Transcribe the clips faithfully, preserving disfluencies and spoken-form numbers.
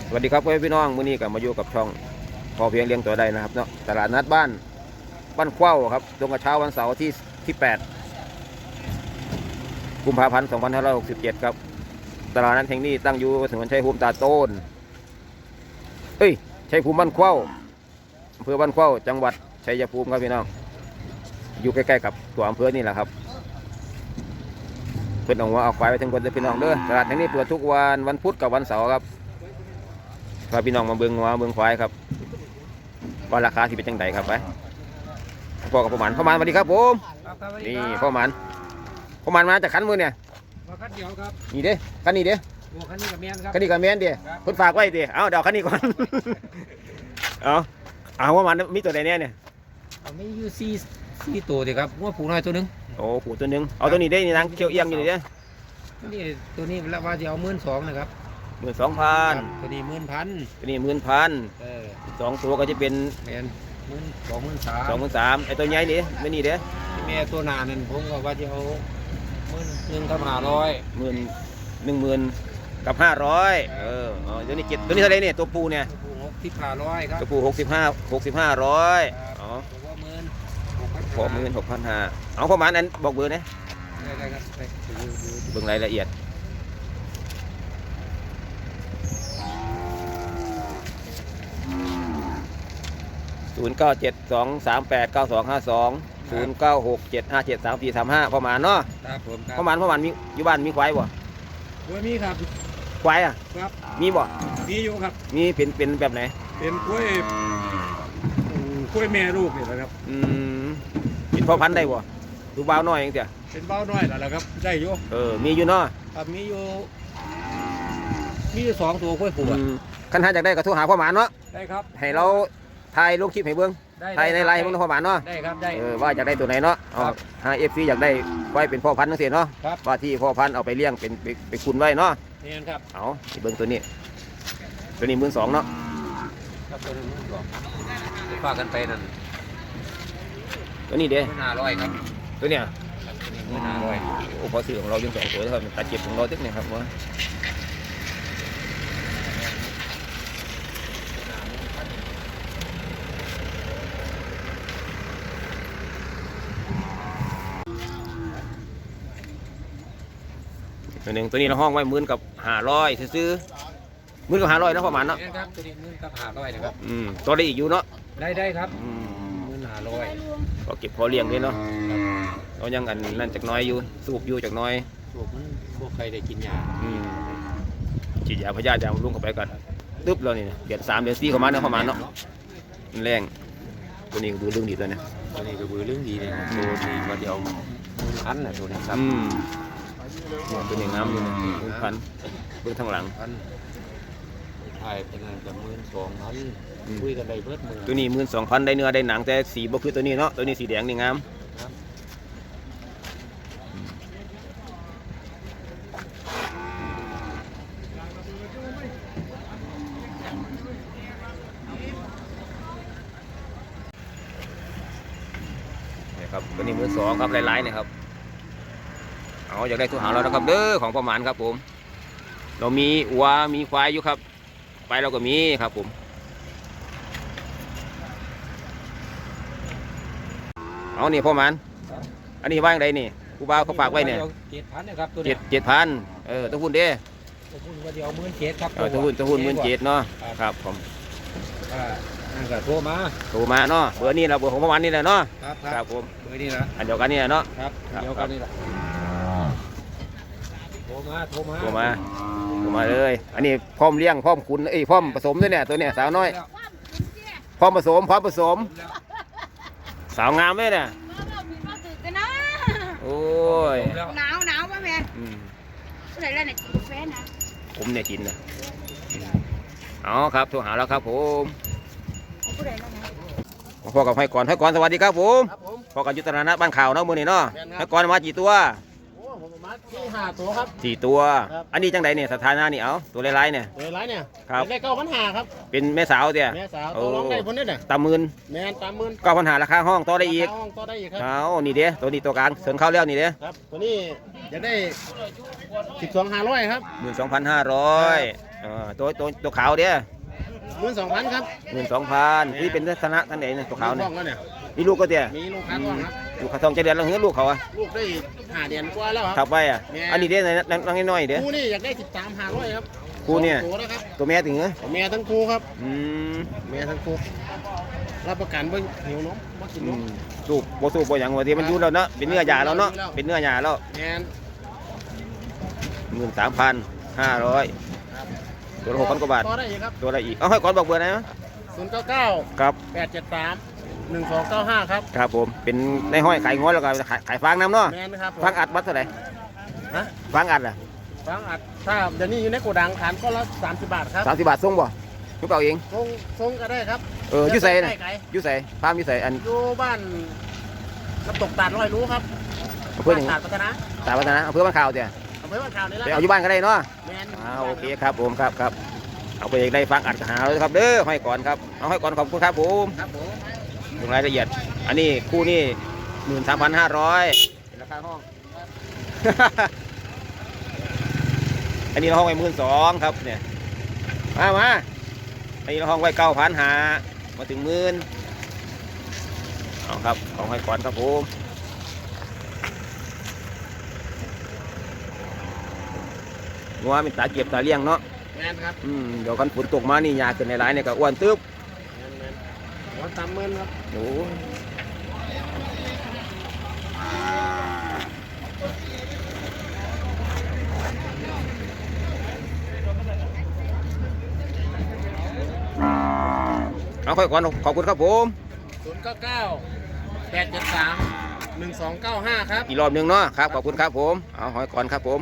สวัสดีครับพี่น้องมื้อนี้ก็มาอยู่กับช่องพอเพียงเลี้ยงตัวได้นะครับเนาะตลาดนัดบ้านบ้านเข้าครับตรงกับเช้าวันเสาร์ที่ที่แปดกุมภาพันธ์สองพันห้าร้อยหกสิบเจ็ดครับตลาดนัดแห่งนี้ตั้งอยู่ถนนชัยภูมิตาโต้นเอ้ยชัยภูมิบ้านเข้าอำเภอบ้านเข้าจังหวัดชัยภูมิครับพี่น้องอยู่ใกล้ๆกับตัวอำเภอนี่แหละครับเพื่อนเอาว่าเอาควายไปทั้งคนเลยพี่น้องเด้อตลาดแห่งนี้เปิดทุกวันวันพุธกับวันเสาร์ครับพาพี่น้องมาเบิ่งวัวเบิ่งควายครับว่าราคาที่เป็นจังไดครับไปพ่อกับพ่อหมันพ่อหมันสวัสดีครับผมนี่พ่อหมันพ่อหมันมาจากขันมือเนี่ยมาคันเดียวครับนี่เด้ขันนี้เด้โอ้คันนี้กับแมนครับขันนี้กับแมนเด้เพิ่นฝากไว้เด้เอาเดี๋ยวขันนี้ก่อนเอาเอาพ่อหมันมีตัวใดเนี่ยเนี่ยมีอยู่สี่สี่ตัวเดียวครับว่าผูน้อยตัวนึงโอ้ผูตัวนึงเอาตัวนี้ได้นี่นางเขียวเอียงอยู่นี่เด้นี่ตัวนี้แล้วว่าจะเอาหมื่นสองนะครับหมื่นสองพันตัวนี้หมื่นพันตัวนี้หมื่นพันสองตัวก็จะเป็นแมนหมื่นสองหมื่นสามสองหมื่นสามไอตัวใหญ่นี่ไม่นี่เด้แม่ตัวนานั่นผมก็ว่าจะเอาหมื่นหนึ่งกับห้าร้อยหมื่นหนึ่งหมื่นกับห้าร้อยเอออ๋อตัวนี้เจ็ดตัวนี้เท่าไรเนี่ยตัวปูเนี่ยตัวปูหกสิบห้าร้อยครับตัวปูหกสิบห้าหกสิบห้าร้อยอ๋อตัวหมื่นหกหมื่นหกพันห้าเอาประมาณนั้นบอกเบอร์นะได้ครับเบิ่งรายละเอียดศูนย์เก้าเจ็ดสองสามแปดเก้าสองห้าสองศูนย์เก้าหกเจ็ดห้าเจ็ดสามสี่สามห้าประมาณเนาะครับผมประมาณประมาณมีอยู่บ้านมีควายบ่ควายมีครับควายอ่ะครับมีบ่มีอยู่ครับมีเป็นเป็นแบบไหนเป็นกล้วยกล้วยแม่ลูกนี่แหละครับอืมเป็นพ่อพันธุ์ได้บ่ดูเบาหน่อยเองเถอะเป็นเบาหน่อยแล้วละครับได้อยู่เออมีอยู่เนาะครับมีอยู่มีอยู่สองตัวกล้วยผูอ่ะคันหาจากได้ก็โทรหาพ่อหมานเนาะได้ครับให้เราถ่ายลงคลิปให้เบิ่งถ่ายในไลน์ให้เบิ่งพ่อหมานเนาะได้ครับได้เออว่าอยากได้ตัวไหนเนาะอ๋อหา เอฟ ซี อยากได้ไว้เป็นพ่อพันธุ์จังซี่เนาะว่าที่พ่อพันธุ์เอาไปเลี้ยงเป็นไปคุณไว้เนาะนี่ครับเอาเบิ่งตัวนี้ตัวนี้หมื่นสองเนาะครับตัวนี้หมื่นสองฝากกันไปนั่นตัวนี้เด้ห้าร้อยครับตัวเนี้ยตัวนี้หมื่นห้าร้อยโอ้พอซื้อของเรายังสองตัวครับตัดเจ็บของเราตึ๊กเนี่ยครับว่าตัวหนึ่งตัวนี้เราห้องไว้หมื่นกับห้าร้อยซื้อหมื่นกับห้าร้อยนะประมาณเนาะครับตัวนี้หมื่นกับห้าร้อยนะครับอืมตัวได้อีกอยู่เนาะได้ได้ครับหมื่นห้าร้อยก็เก็บพอเลี้ยงด้วยเนาะเรายังอันนั่นจากน้อยอยู่สูบอยู่จากน้อยสูบมันพวกใครได้กินยาอืมฉีดยาพยาธิยาลุงเข้าไปก่อนตึ๊บเราเนี่ยเดือนสามเดือนสี่เข้ามาเนี่ยประมาณเนาะแรงตัวนี้ดูเรื่องดีเลยนะตัวนี้ก็ดูเรื่องดีเลยตัวนี้มาเดียวพันน่ะตัวนี้ครับตัวนี้น้ำอยู่นะพันเบื้องทางหลังไทยเป็นอะไรกับหมื่นสองพันคุยกันได้เบิดมือตัวนี้หมื่นสองพันได้เนื้อได้หนังแต่สีบ่คือตัวนี้เนาะตัวนี้สีแดงนี่งามนี่ครับตัวนี้หมื่นสองครับลายๆเนี่ยครับเอาอยากได้ทุกหาเราแล้วครับเด้อของประมาณครับผมเรามีวัวมีควายอยู่ครับไปเราก็มีครับผมเอานี่พ่อมันอันนี้ว่างใดนี่กูบ่าวเขาฝากไว้เนี่ยเจ็ดพันนะครับตัวเจ็ดเจ็ดพันเออตัวหุ่นเด้ตัวหุ่นว่าเดียวหมื่นเจ็ดครับตัวหุ่นตัวหุ่นหมื่นเจ็ดเนาะครับผมอ่านั่นก็โทรมาโทรมาเนาะเบอร์นี้เราเบอร์ของพ่อมันนี่แหละเนาะครับครับผมเบอร์นี้นะอันเดียวกันนี่แหละเนาะครับเดียวกันนี่แหละโทรมาโทรมาโทรมาโทรมาเลยอันนี้พร้อมเลี้ยงพร้อมขุนเอ้ยพร้อมผสมด้วยเนี่ยตัวเนี่ยสาวน้อยพร้อมผสมพร้อมผสมสาวงามเลยเนี่ยโอ้ยหนาวหนาวป่ะแม่ผู้ใดเล่นเนี่ยกินกาแฟนะผมเนี่ยกินนะอ๋อครับโทรหาแล้วครับผมผู้ใดเล่นนะพ่อกับให้ก่อนให้ก่อนสวัสดีครับผมพ่อกับยุทธนานะบ้านข่าวเนาะมือนี่เนาะให้ก่อนมากี่ตัวที่ห้าตัวครับสี่ตัวอันนี้จังไดเนี่ยสถานะนี่เอาตัวไล่ๆเนี่ยตัวไล่เนี่ยครับได้เก้าพันห้าครับเป็นแม่สาวเดียแม่สาวตัวร้องได้คนนี้เนี่ยตามหมื่นแม่ตามหมื่นเก้าพันห้าราคาห้องต่อได้อีกห้องต่อได้อีกครับเอานี่เด้ตัวนี้ตัวกลางเสริมเข้าแล้วนี่เด้ครับตัวนี้จะได้สิบสองห้าร้อยครับหมื่นสองพันห้าร้อยอ่าตัวตัวตัวขาวเด้อหมื่นสองพันครับหมื่นสองพันที่เป็นลักษณะท่านไหนเนี่ยตัวขาวเนี่ยมีลูกแล้วเนี่ยมีลูกก็เตี้ยมีลูกค้าก่อนครับลูกขาทองจะเดือนแล้วเฮ้ยลูกเขาอะลูกได้ห้าเดือนกว่าแล้วคขัรับบ ไปอ่ะแม่อันนี้เด้อนั่งน้อยๆเด้อคู่นี่อยากได้สิบสามห้าร้อยครับคู่เนี่ยตัวนะครับตัวแม่ถึงเหรอแม่ทั้งคู่ครับอืมแม่ทั้งคู่รับประกันว่าหิวนมว่ากินอืนมมสูบโบสูบโบอย่างว่าที่มันอยู่แล้วเนาะเป็นเนื้อหยาแล้วเนาะเป็นเนื้อหยาแล้วแมนหมื่นสามพันห้าร้อยตัวละหกพันกว่าบาทต่อได้อีกครับตัวอะไรอีกเอาให้ก่อนบอกเบอร์ไหนนะศูนย์เก้าเก้าครับแปดเจ็ดสามหนึ่งสองเก้าห้าครับครับผมเป็นในห้อยขายงอนแล้วก็ขายขายฟางน้ำเนาะแมนนะครับผมฟางอัดวัดเท่าไหร่ฮะฟางอัดอ่ะฟังอัดถ้าเดี๋ยวนี้อยู่ในโกดังฐานก็ละสามสิบบาทครับสามสิบบาทส่งบ่ทุกเปล่าเองทรงทรงก็ได้ครับเอออยุ่ใส่ใกนะล้ไกลอยุ่ใส่ฟาร์มอยุ่ใส่อันอยู่บ้านน้ำตกตาดร้อยรู้ครับอำเภอหนึ่งตาดพัฒนาตาวัฒนะอำเภอบ้านข่าวเจ้ะอำเภอบ้านข่าวนี่แหละไปเอาอยู่บ้านก็ได้เนาะแมนอ่าโอเคครับผมครับครับเอาไปได้ฟังอัดหาเลยครับเด้อห้อยก่อนครับเอาห้อยก่อนขอบคุณครับผมครับผมลงรายละเอียดอันนี้คู่นี่หมื่นสามพันห้าร้อยราคาห้อง อันนี้เราห้องไว้หมื่นสองครับเนี่ยมามาอันนี้เราห้องไว้เก้าพันหามาถึงหมื่นเอาครับของห้อยก่อนครับผมงัวเป็นตาเก็บตาเลี้ยงเนาะแมนครับอืมเดี๋ยวกันฝนตกมานี่ยาเกินในหลายเนี่ยก็อ้วนตึ๊บแมนแมนหัวสามหมื่นครับโอ้ยเอาค่อยก่อนขอบคุณครับผมศูนย์เก้าเก้าแปดเจ็ดสามหนึ่งสองเก้าห้าครับอีกรอบหนึ่งเนาะครับขอบคุณครับผมเอาหอยก่อนครับผม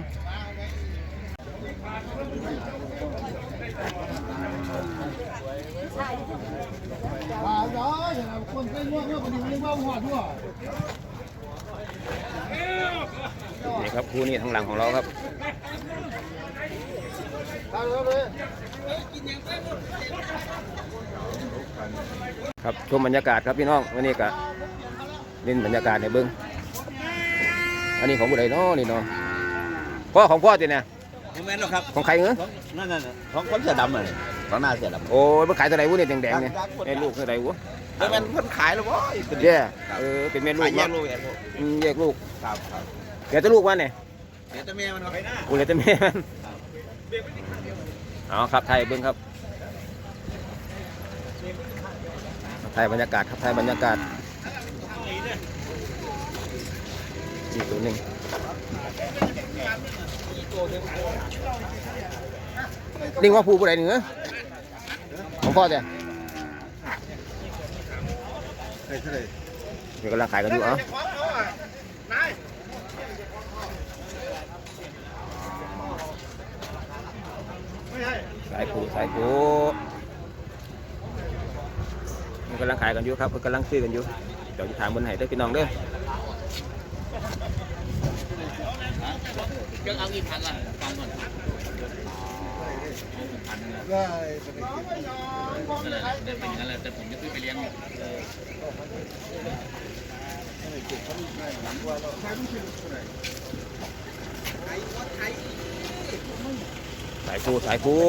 นี่ครับคู่นี้ทางหลังของเราครับครับชมบรรยากาศครับพี่น้องวันนี้ก็เล่นบรรยากาศในเบิ้งอันนี้ของผู้ใดเนาะนี่เนาะพ่อของพ่อจีเนี่ยไม่แม่นหรอกครับของใครเงื้อนั่นน่ะของคนเสื้อดำเลยของหน้าเสื้อดำโอ้ยมันขายเท่าไหร่วุ้เนี่ยแดงๆเนี่ยแม่ลูกเท่าไหร่วุ้ไม่แม่นคนขายหรอวะเย่เออเป็นแม่ลูขาก ยแยเนาะกลูกแยกลูกอืมแยกลูกครับครับเดี๋ยวจะลูกวันเนี่ยเดี๋ยวจะเมียมันไปหน้ากูเลยจะแม่มันเอาครับไทยเบิ้งครับไทยบรรยากาศครับไทยบรรยากาศอีกตัวหนึ่งลิงว่าผู้ผู้ใดหนึ่งเหรอของพ่อจ้ะเดี๋ยวกำลังขายกันอยู่เอ้าสายผู้สายผู้มันกำลังขายกันอยู่ครับมันกำลังซื้อกันอยู่เดี๋ยวจะถามบนไหนได้อพี่น้องเด้อเครื่องเอากี่พันล่ะฟังก่อนได้เป็นอย่างนั้นแหละแต่ผมจะซื้อไปเลี้ยงสายผู้สายผู้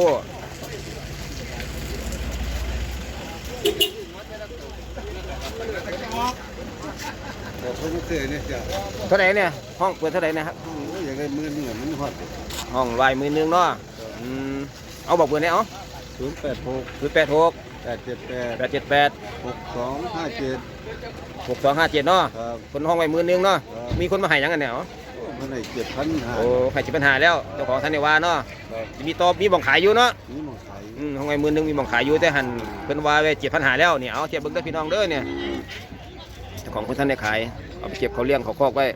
เท่าไหร่เนี่ยห้องเปิดเท่าไหร่นะครับอยากได้มือนี่มันฮอตห้องวายมือหนึงเนาะอืมเอาบอกเบอร์ไหนเอาศูนย์แปดหกคือแปดหกแปดเจ็ดแปดแปดเจ็ดแปดหกสองห้าเจ็ดหกสองห้าเจ็ดเนาะครับคนห้องไว้มือหนึงเนาะครับมีคนมาให้ยังกันเนี่ยอ๋อมันให้เจ็ดพันห้าโอ้ใครจะปัญหาแล้วเจ้าของท่านในว่าเนาะครับมีตอบมีบ่องขายอยู่เนาะนี่หมองขายอืมห้องไว้มือหนึงมีบ่องขายอยู่แต่หันเพิ่นว่าไว้เจ็ดพันหาแล้วเนี่ยเอาเทียบเบิ่งเด้อพี่น้องเด้อเนี่ยเจ้าของเพิ่นท่านได้ขายเอาไปเก็บเขาเลี้ยงเขาคอกไว้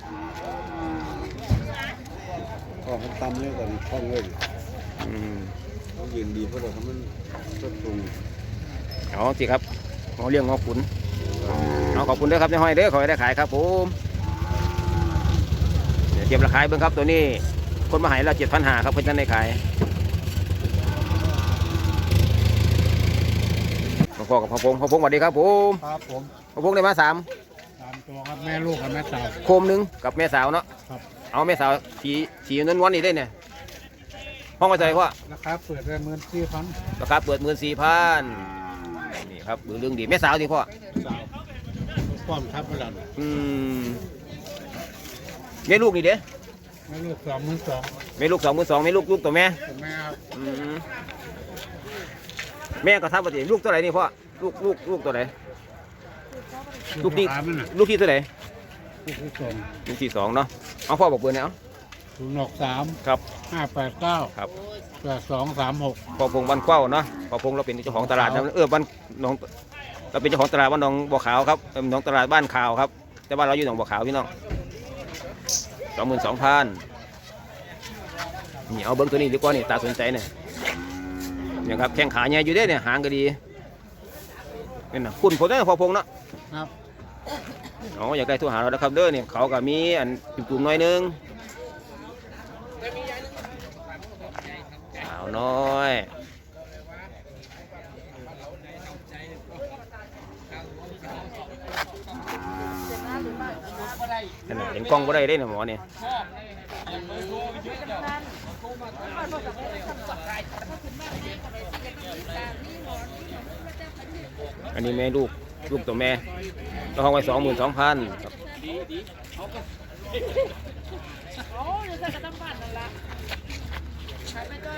ข้อมันตำเนี่ยก่อนข้องเลยอืมเขาเย็นดีเพราะเราทำมันสดปรุงเอาสิครับเขาเลี้ยงงอขุนเอาขอบคุณเด้อครับในห้อยเด้อขอให้ได้ขายครับผมเดี๋ยวเทียบราคาเบิ่งครับตัวนี้คนมาใหายเราเจ็ดพันหาครับเพิ่นท่านได้ขายพ่อกับพ่อพงพ่อพงสวัสดีครับผมครับผมพ่อพงได้มาสามสามตัวครับแม่ลูกกับแม่สาวโคมหนึ่งกับแม่สาวเนาะครับเอาแม่สาวสีสีนวลๆนี่ได้เนี่ยห้องไว้เท่าไหร่พ่อราคาเปิดได้หมื่นสี่พันราคาเปิดหมื่นสี่พันนี่ครับเรื่องดีแม่สาวดีพ่อสาวป้อมทับไปแล้วอืมแม่ลูกนี่เด้ไม่ลูกสองหมื่นสองแม่ลูกสองหมื่นสองแม่ลูกลูกตัวแม่ผมแม่ครับอืมแม่ก็ทับปกติลูกตัวไหนนี่พ่อลูกลูกลูกตัวไหนลูกที่ขามันน่ะลูกที่ตัวไหนลูกที่สองลูกที่สองเนาะเอาพ่อบอกเบอร์เนี่ยเอาศูนย์หกสามครับห้าแปดเก้าครับแปดสองสามหกพอพงบ้านเข้าเนาะพอพงเราเป็นเจ้าของตลาดนะเออบ้านหนองเราเป็นเจ้าของตลาดบ้านหนองบัวขาวครับเออหนองตลาดบ้านขาวครับแต่บ้านเราอยู่หนองบัวขาวพี่น้องสองหมื่นสองพันนี่เอาเบิ้งตัวนี้ดีกว่านี่ตาสนใจเนี่ยเนี่ยครับแข้งขาเนี่ยอยู่ได้เนี่ยหางก็ดีนี่นะคุณผมได้พอพงเนาะครับอ๋ออยากได้โทรหาเราแล้วครับเด้อเนี่ยเขาก็มีอันจุ่มๆหน่อยนึงสาวน้อยนั่นน่ะเห็นกล้องก็ได้เด้เนี่ยหมอเนี่ยอันนี้แม่ลูกลูกตัวแม่เราห้องไว้สองหมื่นสองพันครับโอ้ยจะกระตั้งบ้านนั่นละขายไปด้วย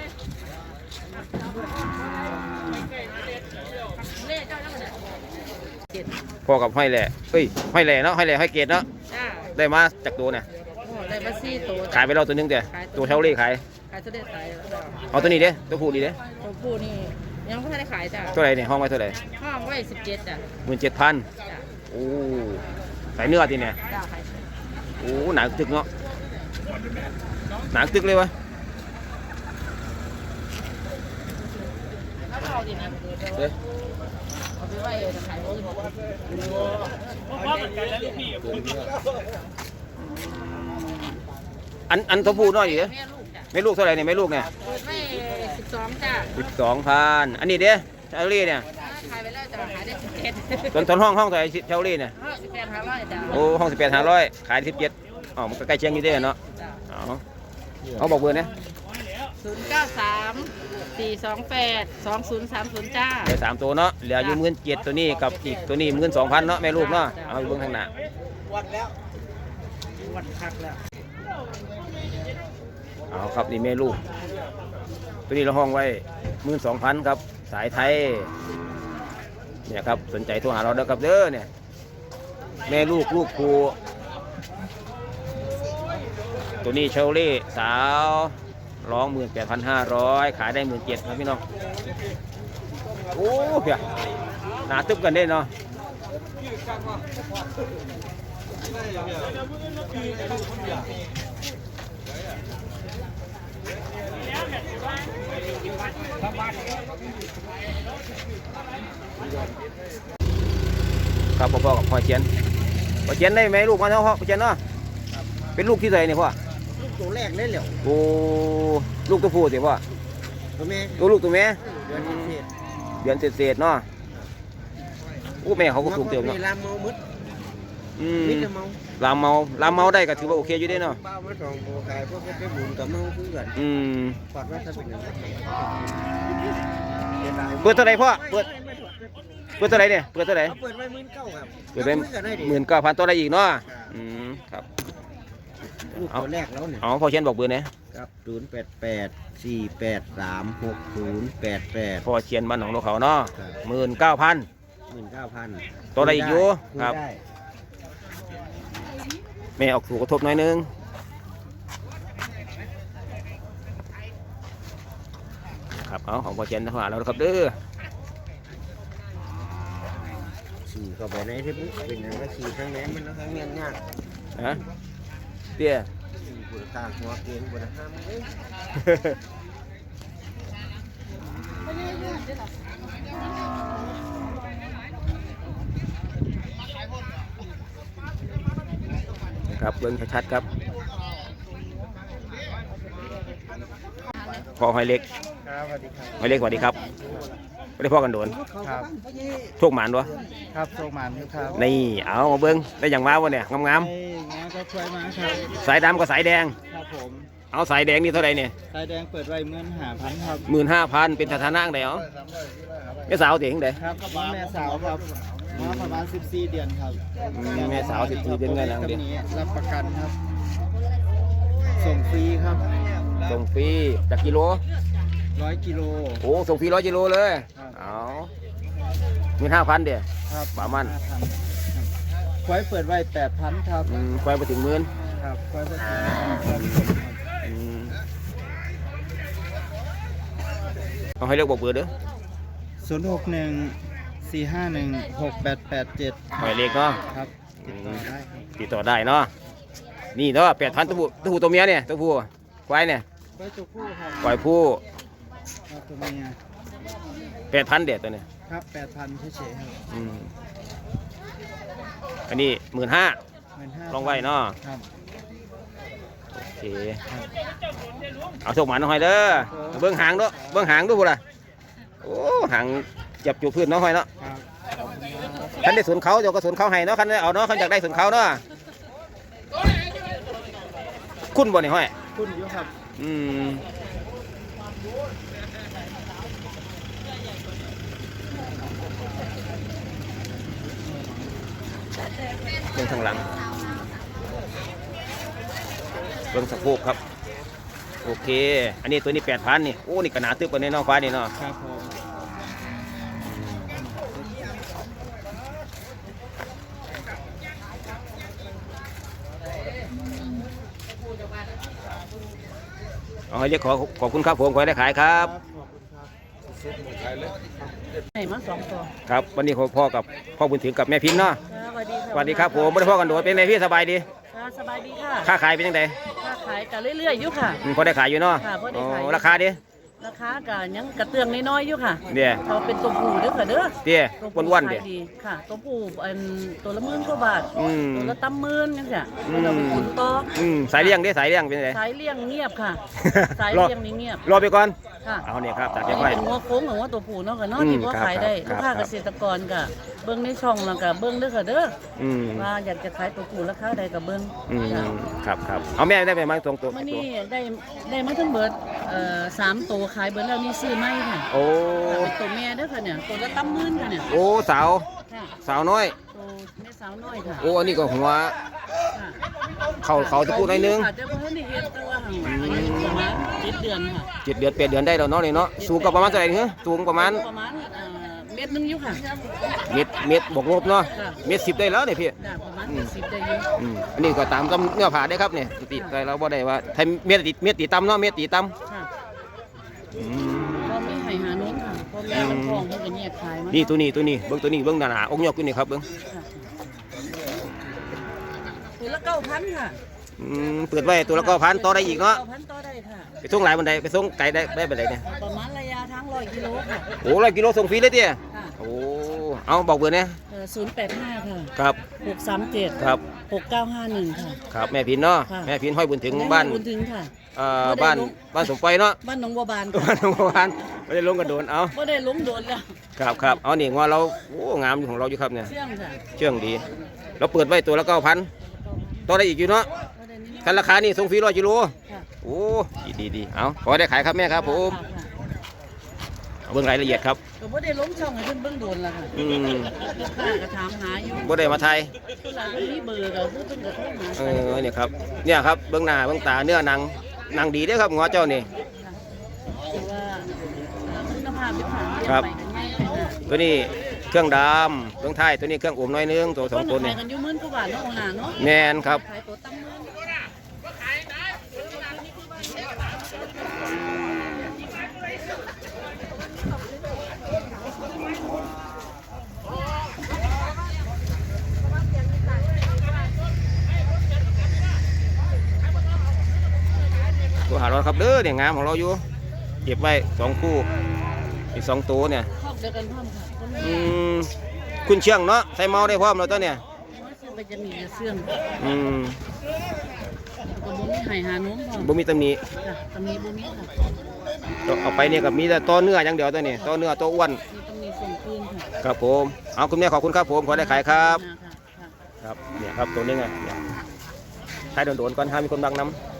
เล่เจ้าแล้วมันเนี่ยพ่อกับห้อยแหล่เอ้ยห้อยแหล่เนาะห้อยแหล่ห้อยเกตเนาะจ้าได้มาจากตัวเนี่ยโอ้ได้มาซี่ตัวขายไปแล้วตัวหนึงแต่ตัวเช่าเล่ขายขายตัวเด็ดขายแล้วจ้าเอาตัวนี้เด้ตัวผู้ดีเด้ตัวผู้นี่ยังไม่ได้ขายจ้าเท่าไหร่เนี่ยห้องไว้เท่าไหร่ห้องไว้สิบเจ็ดจ้ะหมื่นเจ็ดพันจ้าโอ้ใส่เนื้อทีเนี่ยจ้าขายโอ้หนังตึกเนาะหนังตึกเลยวะถ้าเอาดีนะเด้เอาไปไว้จะขายโอ้ยอันอันตัวผู้น้อยอยู่เด้แม่ลูกจ้ะไม่ลูกเท่าไหร่เนี่ยไม่ลูกเนี่ยเปิดไว้สิบสองจ้าสิบสองพันอันนี้เด้เช่าเล่เนี่ยขายไปแล้วจะขายได้สิบเจ็ดตอนตอนห้องห้องเท่าไหร่เช่าเล่เนี่ยห้าสิบแปดห้าร้อยจ้าโอ้ห้องสิบแปดห้าร้อยขายสิบเจ็ดอ๋อมันก็ใกล้เคียงอยู่เด้เนาะจ้าเอาเอาบอกเบอร์เนี่ยศูนย์เก้าสามสี่สองแปดสองศูนย์สามศูนย์จ้าได้สามตัวเนาะเหลืออยู่หมื่นเจ็ดตัวนี้กับอีกตัวนี้หมื่นสองพันเนาะแม่ลูกเนาะเอาอยู่เบื้องข้างหน้าวัดพักแล้วเอาครับนี่แม่ลูก ตัวนี้เราห้องไว้หมื่นสองพันครับสายไทยเนี่ยครับสนใจโทรหาเราเด้อครับเด้อเนี่ยแม่ลูกลูกครูตัวนี้เชลลี่สาวร้องหมื่นแปดพันห้าร้อยขายได้หมื่นเจ็ดครับพี่น้องโอ้เพียหนาตึบกันได้เนาะครับพ่อๆกับพ่อเชียนพ่อเชียนได้ไหมลูกมาเท่าพ่อเชียนเนาะเป็นลูกที่ไหนเนี่ยพ่อลูกตัวแรกได้เหรอโอ้ลูกตัวผู้สิพ่อตัวแม่ตัวลูกตัวแม่เดือนพิเศษเดือนเศษๆเนาะโอ้แม่เขาก็สูงเติมเนาะลามเมามืดอืมมิดเมาลามเมาลามเมาได้ก็ถือว่าโอเคอยู่ได้เนาะเป้ามาสองโบกายพวกไปหมุนกับเมาคือกันอืมปอดว่าถ้าเป็นอย่างนั้นเปิดเท่าไหร่พ่อเปิดเปิดเท่าไหร่เนี่ยเปิดเท่าไหร่เปิดไว้หมื่นเก้าครับเปิดไปหมื่นเก้าพันตัวได้อีกเนาะอืมครับลูกตัวแรกแล้วเนี่ยอ๋อพ่อเชียนบอกเบอร์เนี่ยครับศูนย์แปดแปดสี่แปดสามหกศูนย์แปดแปดพ่อเชียนบ้านหนองนกเขาเนาะหมื่นเก้าพันหมื่นเก้าพันตัวอะไรอีกอยู่ครับได้แม่ออกถูกกระทบหน่อยนึงครับเอาของพ่อเชียนทหารเราครับเด้อขี่เข้าไปในที่ปุ๊บเป็นอย่างก็ขี่ทั้งแหนมันแล้วทั้งเงี้ยยากฮะเตี้ยขี่บนทางหัวเกียงบนทางเอ้ยครับเบิ้งชัดๆครับพอหอยเล็กครับสวัสดีครับหอยเล็กสวัสดีครับไม่ได้พ่อกันโดนครับโชคหมานวะครับโชคมันครับนี่เอามาเบิ้งได้อย่างมาวะเนี่ยงามไอ้งานก็ช่วยมาครับๆสายดำกับสายแดงครับผมเอาสายแดงนี่เท่าไหร่เนี่ยสายแดงเปิดไว้เมื่อนหาพันครับหมื่นห้าพันเป็นสถานะไหนเอาแม่สาวเสียงไหนครับแม่สาวครับมาประมาณสิบสี่เดือนครับแม่สาวสิบสี่เดือนไงลังตัวดินี้รับประกันครับ ส่งฟรีครับส่งฟรีจากกิโลร้อยกิโลโอ้ส่งฟรีร้อยกิโลเลยครับเอาหมื่นห้าพันเดียวครับประมาณควายเปิดไว้แปดพันครับอืมไปไปถึงหมื่นครับควายเปิดไว้อืมเอาให้เลือกบอกเบอร์เด้อศูนย์หกหนึ่งสี่ห้าหนึ่งหกแปดแปดเจ็ดหมายเลขเนาะครับติดต่อได้ครับติดต่อได้เนาะนี่เนาะแปดพันตัวผู้ตัวผู้ตัวเมียเนี่ยตัวผู้ควายเนี่ยควายตัวผู้ครับควายผู้ครับตัวเมียแปดพันเด็ดตัวเนี่ยครับแปดพันเฉยๆครับอืมอันนี้หมื่นห้าหมื่นห้าลองไว้เนาะครับโอเคเอาส่งหมาหน่อยเด้อเบิ้งหางเด้อเบิ้งหางดูพุ่นล่ะโอ้หางจับจูบพื้นเน้องหอยเนาะครับคันได้สวนเขาเดี๋ยวก็สวนเขาให้เนาะคันได้เอาเนาะคันอยากได้สวนเขาเนาะคุณบ่นี่ห้อยคุณอยู่ครับอืมเรื่องทางหลังเรื่องสะโพกครับโอเคอันนี้ตัวนี้แปดพันนี่โอ้นี่กระหนาตึบกว่าในน้องฟ้านี่เนาะครับผมเอาให้เรียกขอขอบคุณครับผมขอให้ได้ขายครับขอบคุณครับไหนมาสองตัวครับวันนี้ขอพ่อกับพ่อบุญถึงกับแม่พินเนาะสวัสดีค่ะสวัสดีครับผมไม่ได้พ่อกันโดดเป็นไงพี่สบายดีค่ะสบายดีค่ะค่าขายเป็นยังไงค้าขายกันเรื่อยๆอยู่ค่ะอืมพอได้ขายอยู่เนาะค่ะพอได้ขายโอ้ราคาดิราคาก็ยังกระเตื้องน้อยๆอยู่ค่ะเดี๋ยวเขาเป็นตัวผู้เด้อค่ะเด้อเดี๋ยวตัวผู้วันๆเดี๋ยวขายดีค่ะ ตัวผู้อันตัวละหมื่นกว่าบาทอืมตัวละตั้มหมื่นจังซี่อืมเราไปขุนต่ออืมสายเลี้ยงดิสายเลี้ยงเป็นไงสายเลี้ยงเงียบค่ะ สายรอเลี้ยงนี่เงียบรอไปก่อนค่ะเอาเนี่ยครับตัดอันไปนี้เป็นงัวโค้งของว่าตัวผู้เนาะค่ะเนาะอืมที่ว่าครับขายได้ครัลูบกค้าครัเกบษตรกรก็เบิ้งในช่องแล้วก็เบิ้งเด้อค่ะเด้ออืมว่าอยากจะขายตัวผู้ราคาใดก็เบิ้งอืมจ้ะครับครับเอาแม่ได้ไปมั้งตรงตัวมื่อตัวนี้ได้ได้มาทั้งเบิดเอ่อสามตัวขายเบิดแล้วนี่ซื้อไม่ค่ะโอ้เป็นตัวแม่เด้อค่ะเนี่ยตัวละตั้มหมื่นค่ะเนี่ยโอ้สาวค่ะสาวน้อยตัวแม่สาวน้อยค่ะโอ้อันนี้ก็หัวค่ะเขาเขาจะพูดหน่อยนึงค่ะแต่ว่าท่านได้เฮ็ดแต่ว่าหั่นอายุประมาณเจ็ดเดือนค่ะเจ็ดเดือนแปดเดือนได้แล้วเนาะนี่เนาะสูงก็ประมาณเท่าไหร่เนี่ยสูงประมาณประมาณเอ่อเม็ดหนึงอยู่ค่ะเม็ดเม็ดบวกลบเนาะค่ะเม็ดสิบได้แล้วเนี่ยพี่จ้ะประมาณเจ็ดสิบได้อยู่อืมอันนี้ก็ตามตำเนื้อผ่าได้ครับเนี่ยติดแต่เราบ่ได้ว่าไทยเม็ดติดเม็ดตีตำเนาะเม็ดตีตค่ะำอืมพ่อแม่ให้หาน้องค่ะพ่อแม่มันท้องเพิ่นก็แยกขายมานี่ตัวนี้ตัวนี้เบิ้งตัวนี้เบิ้งหนาๆอกยกขึ้นนี่ครับเบิ้งค่ะตัวละเก้าพันค่ะอืมเปิดไว้ตัวละก็พันต่อได้อีกเนาะเก้าพันต่อได้ค่ะไปส่งหลายบันไดไปส่งไกลได้ได้บันไดเนี่ยประมาณระยะทางร้อยกิโลค่ะโอ้ร้อยกิโลส่งฟรีเลยเตี้ยค่ะโอ้เอาบอกเบอร์เนี่ยศูนย์แปดห้าค่ะครับหกสามเจ็ดครับหกเก้าห้าหนึ่งค่ะครับแม่พินเนาะค่ะแม่พินห้อยบุญถึงบ้านบุญถึงค่ะเอ่อบ่ได้บ้านลงบ้านสมไฟเนาะบ้านหนองบัวบานบ้านสมไฟไม่ได้ลงกระโดนเอาก็ได้ล้มโดนแล้วครับครับเอานี่งอเราโอ้งามอยู่ของเราอยู่ครับเนี่ยเชื่องค่ะเชื่องดี เราเปิดไว้ตัวละเก้าพันต่อได้อีกอยู่เนาะก็ได้นิดคันราคานี่ส่งฟรีร้อยกิโลๆค่ะโอ้ดีดีดีเอาขอได้ขายครับแม่ครับผมค่ะค่ะเอาเบิ่งรายละเอียดครับก็บ่ได้ล้มช่องให้เพิ่นเบิ่งโดนแล้วค่ะอืมลูกค้าก็ถามหาอยู่บ่ได้มาไทยเวลาเพิ่นมีเบอร์ก็คือเพิ่นก็โทรหาเออเนี่ยครับเนี่ยครับเบื้องหน้าเบื้องตาเนื้อหนังหนังดีเด้อครับหัวเจ้านี่คือว่าคุณภาพเป็นผ่านครับไปกันง่ายเลยนะตัวนี้เครื่องดำเครื่องไทยตัวนี้เครื่องอมน้อยนึงตัวสองตัวเพิ่นี่นขายกันอยู่หมื่นกว่าบาทเนาะโอหาเนาะแมนครับขายตัวตั้งหมื่นตัวหาเราครับเด้อเนี่ยงามของเราอยู่เก็บไว้สองคู่อีกสองตัวเนี่ยครอบเดียวกันพร้อมค่ะคนอืนี้มคุณเชียงเนาะใส่เมาได้พร้อมแล้วตัวเนี่ยว่าซื้อไปจะมีแต่เสื่องอืมก็บ่มีให้หาน้มพร้อมบ่มีตำหนิจ้ะตำนี้บ่มีค่ะตัวเอาไปเนี่ยกับมีแต่ตัวเนื้ออย่างเดียวตัวนี้ตัวเนื้อตัวอ้วนมีตำนี้ส่งคืนค่ะครับผมเอาคุณแม่ขอบคุณครับผมขอได้ขายครับค่ะค่ะครับเนี่ยครับตัวนี้ไงเนี่ยใช้โดนๆก่อนห้ามมีคนบังน้ำ